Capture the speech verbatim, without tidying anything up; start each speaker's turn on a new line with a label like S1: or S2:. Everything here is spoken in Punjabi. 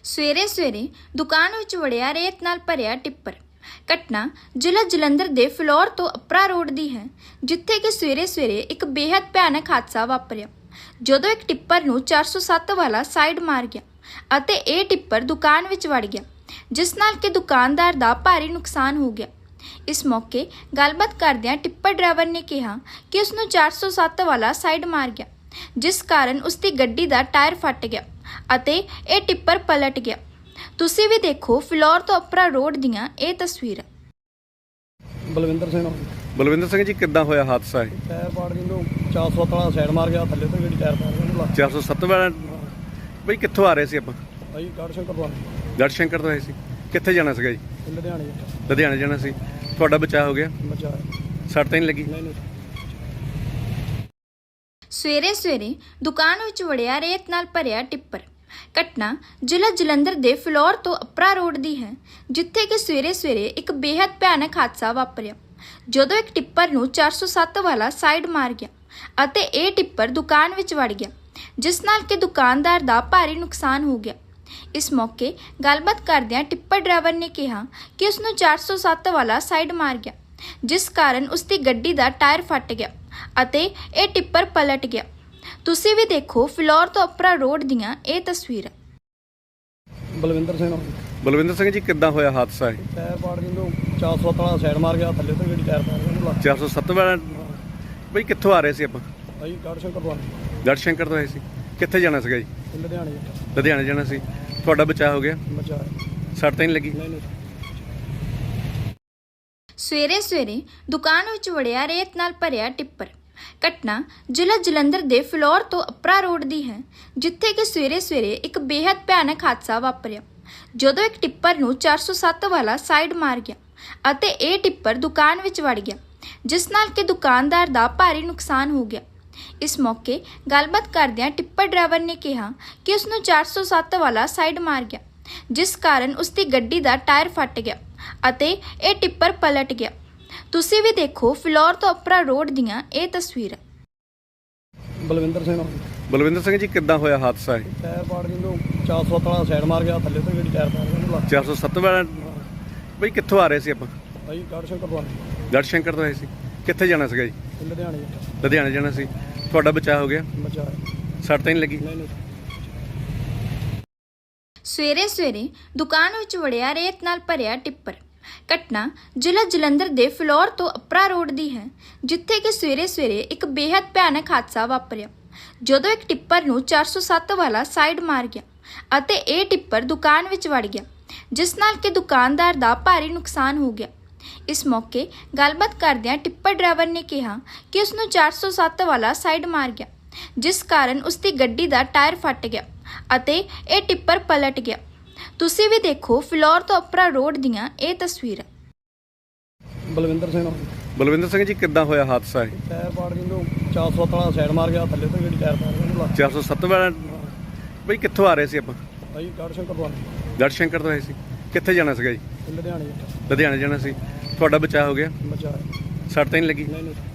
S1: ਸਵੇਰੇ ਸਵੇਰੇ ਦੁਕਾਨ ਵਿੱਚ ਵੜਿਆ ਰੇਤ ਨਾਲ ਭਰਿਆ ਟਿੱਪਰ। ਘਟਨਾ ਜ਼ਿਲ੍ਹਾ ਜਲੰਧਰ ਦੇ ਫਲੋਰ ਤੋਂ ਅਪਰਾ ਰੋਡ ਦੀ ਹੈ, ਜਿੱਥੇ ਕਿ ਸਵੇਰੇ ਸਵੇਰੇ ਇੱਕ ਬੇहद ਭਿਆਨਕ ਹਾਦਸਾ ਵਾਪਰਿਆ ਜਦੋਂ ਇੱਕ ਟਿੱਪਰ ਨੂੰ ਚਾਰ ਸੌ ਸੱਤ ਵਾਲਾ ਸਾਈਡ ਮਾਰ ਗਿਆ ਅਤੇ ਇਹ ਟਿੱਪਰ ਦੁਕਾਨ ਵਿੱਚ ਵੜ ਗਿਆ, ਜਿਸ ਨਾਲ ਕਿ ਦੁਕਾਨਦਾਰ ਦਾ ਭਾਰੀ ਨੁਕਸਾਨ ਹੋ ਗਿਆ। ਇਸ ਮੌਕੇ ਗੱਲਬਾਤ ਕਰਦਿਆਂ ਟਿੱਪਰ ਡਰਾਈਵਰ ਨੇ ਕਿਹਾ ਕਿ ਉਸ ਨੂੰ ਚਾਰ ਸੌ ਸੱਤ ਵਾਲਾ ਸਾਈਡ ਮਾਰ ਗਿਆ, ਜਿਸ ਕਾਰਨ ਉਸ ਦੀ ਗੱਡੀ ਦਾ ਟਾਇਰ ਫਟ ਗਿਆ ਅਤੇ ਇਹ ਟਿੱਪਰ ਪਲਟ ਗਿਆ। ਤੁਸੀਂ ਵੀ ਦੇਖੋ ਫਲੋਰ ਤੋਂ ਅਪਰਾ ਰੋਡ ਦੀਆਂ ਇਹ ਤਸਵੀਰਾਂ।
S2: ਬਲਵਿੰਦਰ ਸਿੰਘ
S3: ਬਲਵਿੰਦਰ ਸਿੰਘ ਜੀ, ਕਿੱਦਾਂ ਹੋਇਆ ਹਾਦਸਾ? ਇਹ
S2: ਟਾਇਰ ਪਾੜ ਗਈ ਨੂੰ ਚਾਰ ਸੌ ਵਾਲਾ ਸਾਈਡ ਮਾਰ ਗਿਆ, ਥੱਲੇ ਤੋਂ ਜਿਹੜੀ ਟਾਇਰ ਪਾੜ ਗਿਆ
S3: ਚਾਰ ਸੌ ਸੱਤ ਵਾਲਾ। ਬਈ ਕਿੱਥੋਂ ਆ ਰਹੇ ਸੀ ਆਪਾਂ?
S2: ਭਾਈ ਗੜ ਸ਼ੰਕਰ ਤੋਂ
S3: ਗੜ ਸ਼ੰਕਰ ਤੋਂ ਆਏ ਸੀ। ਕਿੱਥੇ ਜਾਣਾ ਸੀਗਾ ਜੀ?
S2: ਲੁਧਿਆਣੇ
S3: ਲੁਧਿਆਣੇ ਜਾਣਾ ਸੀ। ਤੁਹਾਡਾ ਬਚਾਅ ਹੋ ਗਿਆ?
S2: ਬਚਾ
S3: ਸੱਟ ਤਾਂ ਨਹੀਂ ਲੱਗੀ?
S2: ਨਹੀਂ ਨਹੀਂ।
S1: ਸਵੇਰੇ ਸਵੇਰੇ ਦੁਕਾਨ ਵਿੱਚ ਵੜਿਆ ਰੇਤ ਨਾਲ ਭਰਿਆ ਟਿੱਪਰ। ਘਟਨਾ ਜ਼ਿਲ੍ਹਾ ਜਲੰਧਰ ਦੇ ਫਲੋਰ ਤੋਂ ਅਪਰਾ ਰੋਡ ਦੀ ਹੈ, ਜਿੱਥੇ ਕਿ ਸਵੇਰੇ ਸਵੇਰੇ ਇੱਕ ਬੇहद ਭਿਆਨਕ ਹਾਦਸਾ ਵਾਪਰਿਆ ਜਦੋਂ ਇੱਕ ਟਿੱਪਰ ਨੂੰ ਚਾਰ ਸੌ ਸੱਤ ਵਾਲਾ ਸਾਈਡ ਮਾਰ ਗਿਆ ਅਤੇ ਇਹ ਟਿੱਪਰ ਦੁਕਾਨ ਵਿੱਚ ਵੜ ਗਿਆ, ਜਿਸ ਨਾਲ ਕਿ ਦੁਕਾਨਦਾਰ ਦਾ ਭਾਰੀ ਨੁਕਸਾਨ ਹੋ ਗਿਆ। ਇਸ ਮੌਕੇ ਗੱਲਬਾਤ ਕਰਦਿਆਂ ਟਿੱਪਰ ਡਰਾਈਵਰ ਨੇ ਕਿਹਾ ਕਿ ਉਸ ਨੂੰ ਚਾਰ ਸੌ ਸੱਤ ਵਾਲਾ ਸਾਈਡ ਮਾਰ ਗਿਆ, ਜਿਸ ਕਾਰਨ ਉਸ ਦੀ ਗੱਡੀ ਦਾ ਟਾਇਰ ਫਟ ਗਿਆ ਅਤੇ ਇਹ ਟਿੱਪਰ ਪਲਟ ਗਿਆ। ਤੁਸੀਂ ਵੀ ਦੇਖੋ ਫਲੋਰ ਤੋਂ ਅਪਰਾ ਰੋਡ ਦੀਆਂ ਇਹ ਤਸਵੀਰਾਂ।
S2: ਬਲਵਿੰਦਰ ਸਿੰਘ
S3: ਬਲਵਿੰਦਰ ਸਿੰਘ ਜੀ, ਕਿੱਦਾਂ ਹੋਇਆ ਹਾਦਸਾ? ਇਹ
S2: ਟਾਇਰ ਪਾੜ ਗਈ ਨੂੰ ਚਾਰ ਸੌ ਵਾਲਾ ਸਾਈਡ ਮਾਰ ਗਿਆ, ਥੱਲੇ ਤੋਂ ਜਿਹੜੀ ਟਾਇਰ ਪਾੜ ਗਿਆ
S3: ਚਾਰ ਸੌ ਸੱਤ ਵਾਲਾ। ਬਈ ਕਿੱਥੋਂ ਆ ਰਹੇ ਸੀ ਆਪਾਂ?
S2: ਭਾਈ ਗੜ ਸ਼ੰਕਰ ਤੋਂ
S3: ਗੜ ਸ਼ੰਕਰ ਤੋਂ ਆਏ ਸੀ। ਕਿੱਥੇ ਜਾਣਾ ਸੀਗਾ ਜੀ?
S2: ਲੁਧਿਆਣੇ
S3: ਲੁਧਿਆਣੇ ਜਾਣਾ ਸੀ। ਤੁਹਾਡਾ ਬਚਾਅ ਹੋ ਗਿਆ?
S2: ਬਚਾ
S3: ਸੱਟ ਤਾਂ ਨਹੀਂ ਲੱਗੀ?
S2: ਨਹੀਂ ਨਹੀਂ।
S1: ਸਵੇਰੇ ਸਵੇਰੇ ਦੁਕਾਨ ਵਿੱਚ ਵੜਿਆ ਰੇਤ ਨਾਲ ਭਰਿਆ ਟਿੱਪਰ। ਘਟਨਾ ਜ਼ਿਲ੍ਹਾ ਜਲੰਧਰ ਦੇ ਫਲੋਰ ਤੋਂ ਅਪਰਾ ਰੋਡ ਦੀ ਹੈ, ਜਿੱਥੇ ਕਿ ਸਵੇਰੇ ਸਵੇਰੇ ਇੱਕ ਬੇहद ਭਿਆਨਕ ਹਾਦਸਾ ਵਾਪਰਿਆ ਜਦੋਂ ਇੱਕ ਟਿੱਪਰ ਨੂੰ ਚਾਰ ਸੌ ਸੱਤ ਵਾਲਾ ਸਾਈਡ ਮਾਰ ਗਿਆ ਅਤੇ ਇਹ ਟਿੱਪਰ ਦੁਕਾਨ ਵਿੱਚ ਵੜ ਗਿਆ, ਜਿਸ ਨਾਲ ਕਿ ਦੁਕਾਨਦਾਰ ਦਾ ਭਾਰੀ ਨੁਕਸਾਨ ਹੋ ਗਿਆ। ਇਸ ਮੌਕੇ ਗੱਲਬਾਤ ਕਰਦਿਆਂ ਟਿੱਪਰ ਡਰਾਈਵਰ ਨੇ ਕਿਹਾ ਕਿ ਉਸ ਨੂੰ ਚਾਰ ਸੌ ਸੱਤ ਵਾਲਾ ਸਾਈਡ ਮਾਰ ਗਿਆ, ਜਿਸ ਕਾਰਨ ਉਸ ਦੀ ਗੱਡੀ ਦਾ ਟਾਇਰ ਫਟ ਗਿਆ ਅਤੇ ਇਹ ਟਿੱਪਰ ਪਲਟ ਗਿਆ। ਤੁਸੀਂ ਵੀ ਦੇਖੋ ਫਲੋਰ ਤੋਂ ਅਪਰਾ ਰੋਡ ਦੀਆਂ ਇਹ ਤਸਵੀਰਾਂ।
S2: ਬਲਵਿੰਦਰ ਸਿੰਘ
S3: ਬਲਵਿੰਦਰ ਸਿੰਘ ਜੀ, ਕਿੱਦਾਂ ਹੋਇਆ ਹਾਦਸਾ? ਇਹ
S2: ਟਾਇਰ ਪਾੜ ਗਈ ਨੂੰ ਚਾਰ ਸੌ ਵਾਲਾ ਸਾਈਡ ਮਾਰ ਗਿਆ, ਥੱਲੇ ਤੋਂ ਜਿਹੜੀ ਟਾਇਰ ਪਾੜ ਗਿਆ
S3: ਚਾਰ ਸੌ ਸੱਤ ਵਾਲਾ। ਬਈ ਕਿੱਥੋਂ ਆ ਰਹੇ ਸੀ ਆਪਾਂ?
S2: ਭਾਈ ਗੜ ਸ਼ੰਕਰ ਤੋਂ
S3: ਗੜ ਸ਼ੰਕਰ ਤੋਂ ਆਏ ਸੀ। ਕਿੱਥੇ ਜਾਣਾ ਸੀਗਾ ਜੀ?
S2: ਲੁਧਿਆਣੇ
S3: ਲੁਧਿਆਣੇ ਜਾਣਾ ਸੀ। ਤੁਹਾਡਾ ਬਚਾਅ ਹੋ ਗਿਆ?
S2: ਬਚਾ
S3: ਸੱਟ ਤਾਂ ਨਹੀਂ ਲੱਗੀ?
S2: ਨਹੀਂ ਨਹੀਂ।
S1: ਸਵੇਰੇ ਸਵੇਰੇ ਦੁਕਾਨ ਵਿੱਚ ਵੜਿਆ ਰੇਤ ਨਾਲ ਭਰਿਆ ਟਿੱਪਰ। ਘਟਨਾ ਜ਼ਿਲ੍ਹਾ ਜਲੰਧਰ ਦੇ ਫਲੋਰ ਤੋਂ ਅਪਰਾ ਰੋਡ ਦੀ ਹੈ, ਜਿੱਥੇ ਕਿ ਸਵੇਰੇ ਸਵੇਰੇ ਇੱਕ ਬੇहद ਭਿਆਨਕ ਹਾਦਸਾ ਵਾਪਰਿਆ ਜਦੋਂ ਇੱਕ ਟਿੱਪਰ ਨੂੰ ਚਾਰ ਸੌ ਸੱਤ ਵਾਲਾ ਸਾਈਡ ਮਾਰ ਗਿਆ ਅਤੇ ਇਹ ਟਿੱਪਰ ਦੁਕਾਨ ਵਿੱਚ ਵੜ ਗਿਆ, ਜਿਸ ਨਾਲ ਕਿ ਦੁਕਾਨਦਾਰ ਦਾ ਭਾਰੀ ਨੁਕਸਾਨ ਹੋ ਗਿਆ। ਇਸ ਮੌਕੇ ਗੱਲਬਾਤ ਕਰਦਿਆਂ ਟਿੱਪਰ ਡਰਾਈਵਰ ਨੇ ਕਿਹਾ ਕਿ ਉਸ ਨੂੰ ਚਾਰ ਸੌ ਸੱਤ ਵਾਲਾ ਸਾਈਡ ਮਾਰ ਗਿਆ, ਜਿਸ ਕਾਰਨ ਉਸ ਦੀ ਗੱਡੀ ਦਾ ਟਾਇਰ ਫਟ ਗਿਆ ਅਤੇ ਇਹ ਟਿੱਪਰ ਪਲਟ ਗਿਆ। ਤੁਸੀਂ ਵੀ ਦੇਖੋ ਫਲੋਰ ਤੋਂ ਅਪਰਾ ਰੋਡ ਦੀਆਂ ਇਹ ਤਸਵੀਰਾਂ।
S2: ਬਲਵਿੰਦਰ ਸਿੰਘ
S3: ਬਲਵਿੰਦਰ ਸਿੰਘ ਜੀ, ਕਿੱਦਾਂ ਹੋਇਆ ਹਾਦਸਾ? ਇਹ
S2: ਟਾਇਰ ਪਾੜ ਗਈ ਨੂੰ ਚਾਰ ਸੌ ਵਾਲਾ ਸਾਈਡ ਮਾਰ ਗਿਆ, ਥੱਲੇ ਤੋਂ ਜਿਹੜੀ ਟਾਇਰ ਪਾੜ ਗਿਆ
S3: ਚਾਰ ਸੌ ਸੱਤ ਵਾਲਾ। ਬਈ ਕਿੱਥੋਂ ਆ ਰਹੇ ਸੀ ਆਪਾਂ?
S2: ਭਾਈ ਗੜ ਸ਼ੰਕਰ ਤੋਂ
S3: ਗੜ ਸ਼ੰਕਰ ਤੋਂ ਆਏ ਸੀ। ਕਿੱਥੇ ਜਾਣਾ ਸੀਗਾ ਜੀ?
S2: ਲੁਧਿਆਣੇ
S3: ਲੁਧਿਆਣੇ ਜਾਣਾ ਸੀ। ਤੁਹਾਡਾ ਬਚਾਅ ਹੋ ਗਿਆ?
S2: ਬਚਾ
S3: ਸੱਟ ਤਾਂ ਨਹੀਂ ਲੱਗੀ?
S2: ਨਹੀਂ ਨਹੀਂ।